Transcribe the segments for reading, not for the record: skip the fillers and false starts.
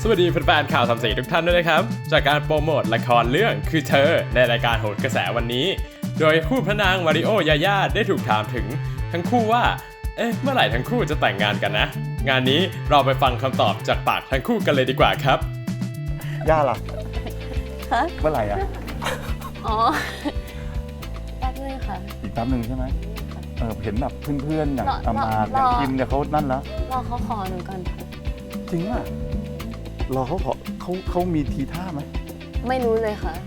สวัสดีแฟนๆข่าวสามสีทุกท่านด้วยนะครับจากการโปรโมทละครเรื่องคือเธอในรายการโหนกระแสวันนี้โดยคู่พระนางมาริโอยาย่าได้ถูกถามถึงทั้งคู่ว่าเมื่อไหร่ทั้งคู่จะแต่งงานกันนะงานนี้เราไปฟังคำตอบจากปากทั้งคู่กันเลยดีกว่าครับย่าล่ะฮะเมื่อไหร่อ่ะอ๋อ แป๊บนึงค่ะอีกแป๊บหนึ่งใช่ไหมเห็นแบบเพื่อนๆอย่างรออามาดอย่างกินเนี่ยเขานั่นแล้วรอเขาขอหนูก่อนค่ะจริงอ่ะรอเขาขอเขามีทีท่าไหมไม่รู้เลยค่ะ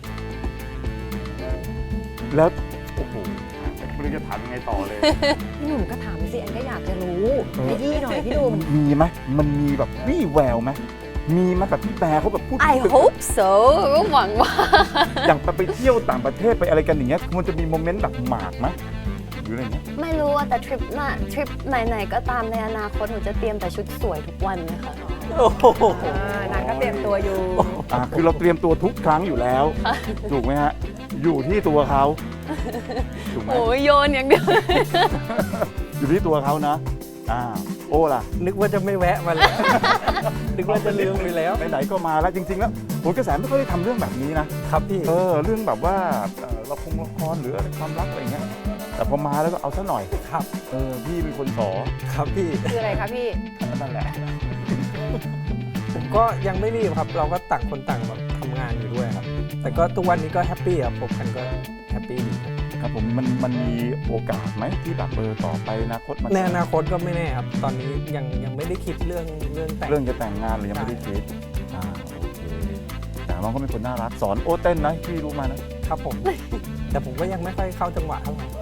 แล้วโอ้โหไม่รู้จะถามยังไงต่อเลยพี่หนุ่มก็ถามสิอันก็อยากจะรู้ขยี้หน่อยพี่หนุ่มมีไหมมันมีแบบวี่แววไหมมีไหมแบบพี่แบร์เขาแบบพูด I hope so ก็หวังว่าอย่างไปเที่ยวต่างประเทศไปอะไรกันอย่างเงี้ยมันจะมีโมเมนต์แบบหมากไหมหรืออะไรเงี้ยไม่รู้ว่าแต่ทริปไหนๆก็ตามในอนาคตหนูจะเตรียมแต่ชุดสวยทุกวันเลยค่ะนางก็เตรียมตัวอยู่คือเราเตรียมตัวทุกครั้งอยู่แล้ว ถูกไหมฮะอยู่ที่ตัวเขาถูกไหมโอ้ยโยนอย่างเดียวอยู่ที่ตัวเขานะโอ้ล่ะนึกว่าจะไม่แวะมาแล้ว นึกว่าจะลืมไปแล้วไหนๆก็มาแล้วจริงๆแล้วโหนกระแสไม่ค่อยได้ทำเรื่องแบบนี้นะครับพี่เรื่องแบบว่าละครหรืออะไรความรักอะไรเงี้ยแต่พอมาแล้วก็เอาซะหน่อยครับพี่เป็นคนสอครับพี่คืออะไรคะพี่นั่นแหละผมก็ยังไม่รีบครับ เราก็ต่างคนต่างแบบทำงานอยู่ด้วยครับ แต่ก็ทุกวันนี้ก็แฮปปี้ครับผมกันก็แฮปปี้ดีครับครับผมมันมีโอกาสไหมที่แบบต่อไปอนาคตมันในอนาคตก็ไม่แน่ครับ ตอนนี้ยังไม่ได้คิดเรื่องแต่งเรื่องจะแต่งงานหรือยังไม่ได้คิดโอเคแต่น้องก็เป็นคนน่ารักสอนโอ้เต้นนะพี่รู้มานะครับผม แต่ผมก็ยังไม่ค่อยเข้าจังหวะเท่าไหร่